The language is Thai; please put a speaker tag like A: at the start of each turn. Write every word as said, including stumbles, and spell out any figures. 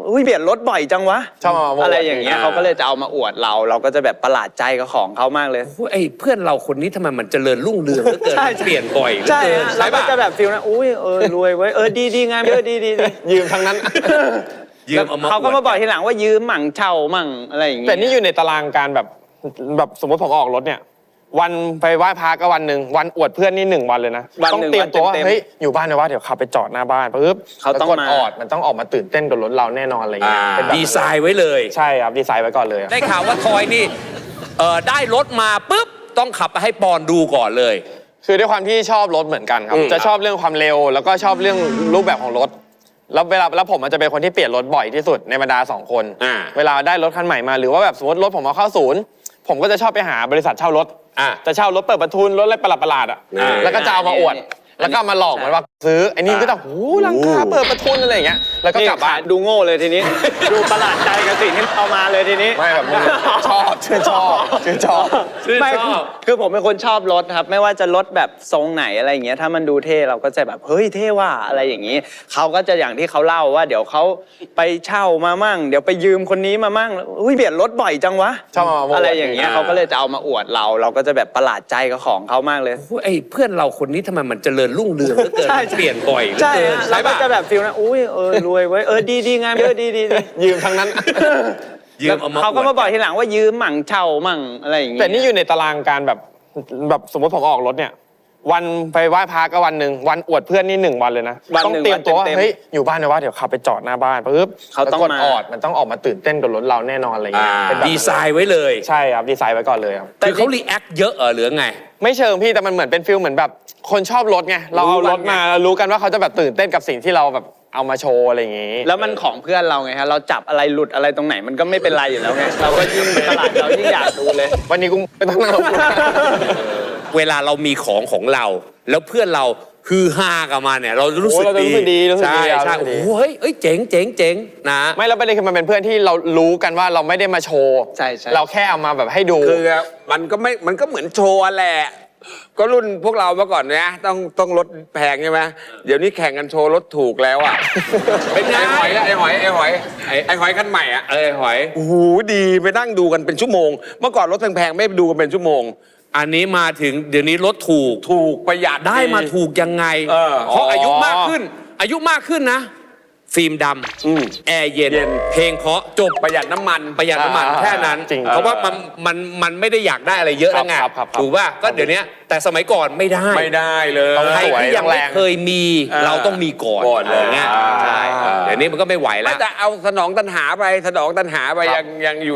A: อุ้ยเปลี่ยนรถบ่อยจังวะ
B: ชอบมา
A: อะไรอย่างเงี้ยเขาก็เลยจะเอามาอวดเราเราก็จะแบบประหลาดใจกับของเขามากเลย
C: ไอ้เพื่อนเราคนนี้ทำไมมันเจริญรุ่งเรืองเหลือเกินเปลี่ยนบ่อยเหลือ
A: ใช่
C: เกิน
A: เราก็จะแบบฟิลนะอุ้ยเออรวยเว้ยเออดีดีงามเยอะดีดี
B: ยืมทั้งนั้น
A: เขาก็มาบอกทีหลังว่ายืมมั่งเช่ามั่งอะไรอย่างเงี้ย
B: แต่นี่อยู่ในตารางการแบบแบบสมมติผมออกรถเนี่ยวันไปไหว้พระก็วันหนึ่งวันอวดเพื่อนนี่หนึ่งวันเลยนะต้องเตรียมตัวว่าเฮ้ยอยู่บ้านนะว่าเดี๋ยวขับไปจอดหน้าบ้านปุ๊บเขาต้องกดออดมันต้องออกมาตื่นเต้นกับรถเราแน่นอนอะไรเงี้ยเป็น
C: ดีไซน์ไว้เลย
B: ใช่ครับดีไซน์ไว้ก่อนเลย
C: ได้ข่าวว่าทอยนี่เออได้รถมาปุ๊บต้องขับไปให้ปอนดูก่อนเลย
B: คือด้วยความที่ชอบรถเหมือนกันครับจะชอบเรื่องความเร็วแล้วก็ชอบเรื่องรูปแบบของรถแล้วเวลาแล้วผมมันจะเป็นคนที่เปลี่ยนรถบ่อยที่สุดในบรรดาสองคนเวลาได้รถคันใหม่มาหรือว่าแบบสมมติรถผมเอาเข้าศูนย์ผมก็จะชอบไปหาบริษัทเช่ารถจะเช่ารถเปิดประทุนรถอะไรประหลาดๆอ่ะแล้วก็จะเอามาอวดแล้วก็มาหลอกมันว่าซื้อไอ้นี่ก็ต้องหูลังคาเปิดประทุนอะไรอย่างเงี้ยแล้วก็กลับบ้าน
A: ดูโง่เลยทีนี้ดูประหลาดใจกับสิ่งที่เอามาเลยทีนี้
B: ไม่แบบชอบชื่นชอบชื่นชอบ
A: ไม่คือผมเป็นคนชอบรถครับไม่ว่าจะรถแบบทรงไหนอะไรอย่างเงี้ยถ้ามันดูเท่เราก็จะแบบเฮ้ยเท่ว่าอะไรอย่างงี้เขาก็จะอย่างที่เขาเล่าว่าเดี๋ยวเขาไปเช่ามามั่งเดี๋ยวไปยืมคนนี้มามั่งอุ้ยเปลี่ยนรถบ่อยจังวะอะไรอย่างเงี้ยเขาก็เลยจะเอามาอวดเราเราก็จะแบบประหลาดใจกับของเขามากเลย
C: ไอ้เพื่อนเราคนนี้ทำไมมันเจริญรุ่งเรืองเหลือเกินเปลี่ยนบ่อย
A: ใช่เราก็จะแบบฟิลนะอุ้ยเออรวยเว้ยเออดีดีงามเยอะดีดี
B: ยืมทั้งนั้น
A: เขาก็มาบอกทีหลังว่ายืมมั่งเช่ามั่งอะไรอย่างเงี้ย
B: แต่นี่อยู่ในตารางการแบบแบบสมมติผมออกรถเนี่ยวันไปไหว้พระก็วันหนึ่งวันอวดเพื่อนนี่หนึ่งวันเลยนะต้องเตรียมตัวว่าเฮ้ยอยู่บ้านนะว่าเดี๋ยวขับไปจอดหน้าบ้านปุ๊บ
A: เขาต้อง
B: กดออดมันต้องออกมาตื่นเต้นกับรถเราแน่นอนอะไรเงี้ย
C: ดีไซน์ไว้เลย
B: ใช่ครับดีไซน์ไว้ก่อนเลยครับ
C: แต่เขารีแอคเยอะเหรอหรือไง
B: ไม่เชิงพี่แต่มันเหมือนเป็นฟิลเหมือนแบบคนชอบรถไงเราเอารถมารู้กันว่าเขาจะแบบตื่นเต้นกับสิ่งที่เราแบบเอามาโชว์อะไรอย่างงี้
A: แล้วมันของเพื่อนเราไงฮะเราจับอะไรหลุดอะไรตรงไหนมันก็ไม่เป็นไรอยู่แล้วไงเราก็ยิ่งตลาดเรายิ่งอยากดูเลย
B: วันนี้กูไม่ต้องนั่งรถ
C: เวลาเรามีของของเราแล้วเพื่อนเราฮือฮากับมาเนี่ยเรารู้สึก
B: ดีใช่
C: ใช่โอ้เฮ้ยเอ้ยเจ๋งเจ๋งเจ๋งนะ
B: ไม่แล้วประเด็นคือมันเป็นเพื่อนที่เรารู้กันว่าเราไม่ได้มาโชว์
A: ใช่ใช่
B: เราแค่เอามาแบบให้ดู
D: คือมันก็ไม่มันก็เหมือนโชว์แหละก็รุ่นพวกเราเมื่อก่อนนะต้องต้องรถแพงใช่ไหมเดี๋ยวนี้แข่งกันโชว์รถถูกแล้วอ่ะเป็นไงไอ้หอยไอ้หอยไอ้หอยไอ้หอยคันใหม่อ่ะไอ้หอยโอ้โหดีไปนั่งดูกันเป็นชั่วโมงเมื่อก่อนรถแพงๆไม่ดูกันเป็นชั่วโมง
C: อันนี้มาถึงเดี๋ยวนี้รถถูก
D: ถูกประหยัด
C: ได้มาถูกยังไงเพราะอายุมากขึ้นอายุมากขึ้นนะฟิล์มดำแอร์เย็นเพลงเพราะจบ
D: ประหยัดน้ำมัน
C: ประหยัดน้ำมันแค่นั้นเพราะว่ามันมันมันไม่ได้อยากได้อะไรเยอะแล้วไงถูกป่ะก็เดี๋ยวนี้แต่สมัยก่อนไม่ได้
D: ไม่ได้เลย
C: ใครที่ยังไม่เคยมีเราต้องมีก่อนอะไรเงี้ยใช่เดี๋ยวนี้มันก็ไม่ไหวแล้ว
D: แต่เอาสนองตัณหาไปสนองตัณหาไปยังยังอยู่